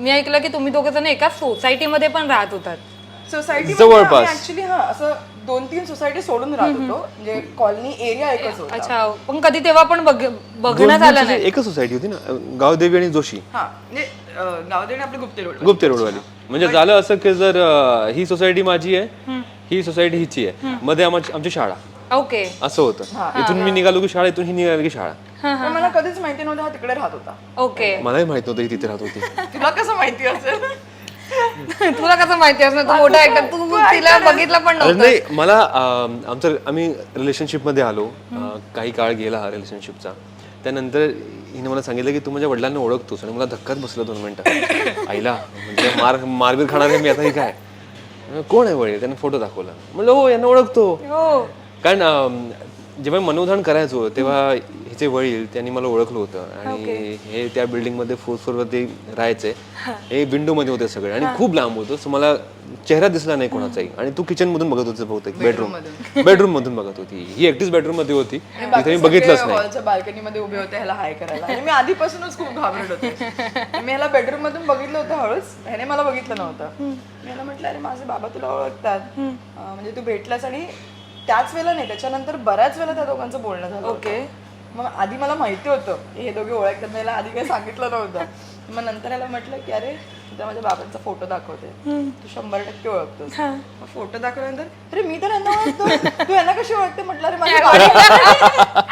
मी ऐकलं की तुम्ही दोघे जण एका सोसायटीमध्ये पण राहत होतात. सोसायटी जवळपास. ऍक्च्युली असं 2-3 सोसायटी सोडून राहत होतो, म्हणजे कॉलनी एरिया एकच होता. अच्छा, पण कधी तेव्हा पण बघण्यात आलं नाही. एकच सोसायटी होती ना, गावदेवी आणि जोशी. हा म्हणजे गावदेवी आपलं गुप्ते रोड. गुप्ते रोडवाली. म्हणजे झालं असं की जर ही सोसायटी माझी आहे, ही सोसायटी हिची आहे, मध्ये आमची शाळा ओके. असं होतं. इथून मी निघालो की शाळा, इथून ही निघाली की शाळा. पण मला कधीच माहिती नव्हतं हा तिकडे राहत होता. ओके. मलाही माहित नव्हतं ही तिथे राहत होती. तुला कसं माहिती असेल? तुला कसं माहिती असणार, तू मोठा ऍक्टर, तू तिला बघितलं पण अरे नव्हतं. नाही, मला आम्ही रिलेशनशिप मध्ये आलो. काही काळ गेला हा रिलेशनशिपचा. त्यानंतर हिने मला सांगितलं की तू माझ्या वडिलांना ओळखतोस, आणि मला धक्काच बसला 2 मिनिटं. आईला म्हणजे मारबीर खाणार आहे मी आता, हे काय कोण आहे वडील? त्याने फोटो दाखवला. म्हणलं हो, यांना ओळखतो. कारण जेव्हा मनोधान करायचो तेव्हा हिचे वडील त्यांनी मला ओळखलं होतं, आणि हे त्या बिल्डिंग मध्ये 4th फ्लोअर वरती राहायचे. हे विंडो मध्ये होते सगळे, आणि खूप लांब होतं, सो मला चेहरा दिसला नाही कोणाचाही. आणि तू किचन मधून बघत होती बहुतेक, बेडरूम मधून बघत होती. ही एकटीच बेडरूम मध्ये होती, तिथे मी बघितलंच नाही. हॉलच्या बाल्कनी मध्ये उभे होते ह्याला हाय करायला, आणि मी आधीपासूनच खूप घाबरत होते. मी ह्याला बेडरूम मधून बघितलं होतं हळूच, ह्याने मला बघितलं नव्हतं. मी ह्याला म्हटलं अरे माझे बाबा तुला ओळखतात, म्हणजे तू भेटलास. आणि त्याच वेळेला नाही, त्याच्यानंतर बऱ्याच वेळेला त्या दोघांचं बोलणं झालं. ओके. मग आधी मला माहिती होतं की हे दोघे ओळखतात, मला आधी काही सांगितलं नव्हतं. मग नंतर याला म्हटलं की अरे तुझ्या माझ्या बाबांचा फोटो दाखवते, तू 100% ओळखतोस. मग फोटो दाखवल्यानंतर अरे मी तर यांना ओळखतो, तू यांना कशी ओळखते? म्हटलं अरे माझे बाबा.